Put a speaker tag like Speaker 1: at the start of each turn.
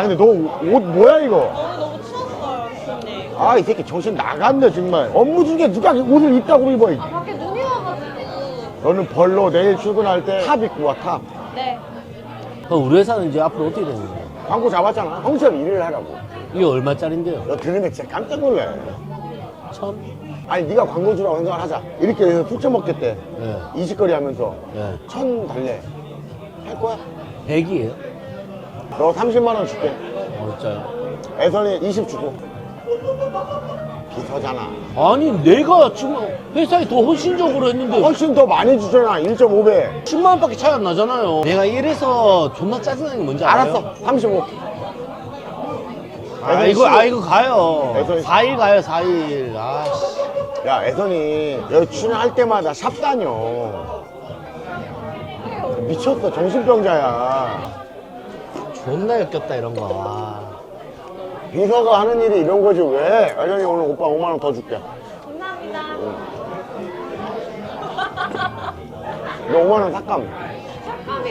Speaker 1: 근데 너 옷 뭐야 이거?
Speaker 2: 오늘 너무 추웠어요, 교수님.
Speaker 1: 아 이 새끼 정신 나갔네 정말. 업무 중에 누가 옷을 입다고 입어.
Speaker 2: 아, 밖에 눈이 와가지고.
Speaker 1: 너는 벌로 내일 출근할 때 탑 입고 와 탑.
Speaker 2: 네.
Speaker 3: 그럼 우리 회사는 이제 앞으로 어떻게 되는 거야?
Speaker 1: 광고 잡았잖아. 형처럼 일을 하라고.
Speaker 3: 이게 얼마짜린데요?
Speaker 1: 너 들으면 진짜 깜짝 놀래.
Speaker 3: 1000?
Speaker 1: 아니 네가 광고주라고 생각을 하자. 이렇게 해서 술 처먹겠대.
Speaker 3: 네.
Speaker 1: 이직거리 하면서
Speaker 3: 네.
Speaker 1: 1000 달래. 할 거야?
Speaker 3: 100이에요?
Speaker 1: 너 30만 원 줄게.
Speaker 3: 진짜요?
Speaker 1: 애선이 20 주고. 비서잖아.
Speaker 3: 아니 내가 지금 회사에 더 헌신적으로 했는데
Speaker 1: 훨씬 더 많이 주잖아. 1.5배.
Speaker 3: 10만 원밖에 차이 안 나잖아요. 내가 이래서 존나 짜증나는 게 뭔지 알아요?
Speaker 1: 알았어. 35.
Speaker 3: 이거 가요.
Speaker 1: 애선이
Speaker 3: 4일 가요 4일. 아씨.
Speaker 1: 야 애선이 여기 출연할 때마다 샵 다녀. 미쳤어. 정신병자야.
Speaker 3: 존나 역겹다 이런 거. 와.
Speaker 1: 비서가 하는 일이 이런 거지 왜? 애선이 오늘 오빠 5만 원 더 줄게.
Speaker 2: 감사합니다.
Speaker 1: 너 5만 원 삭감.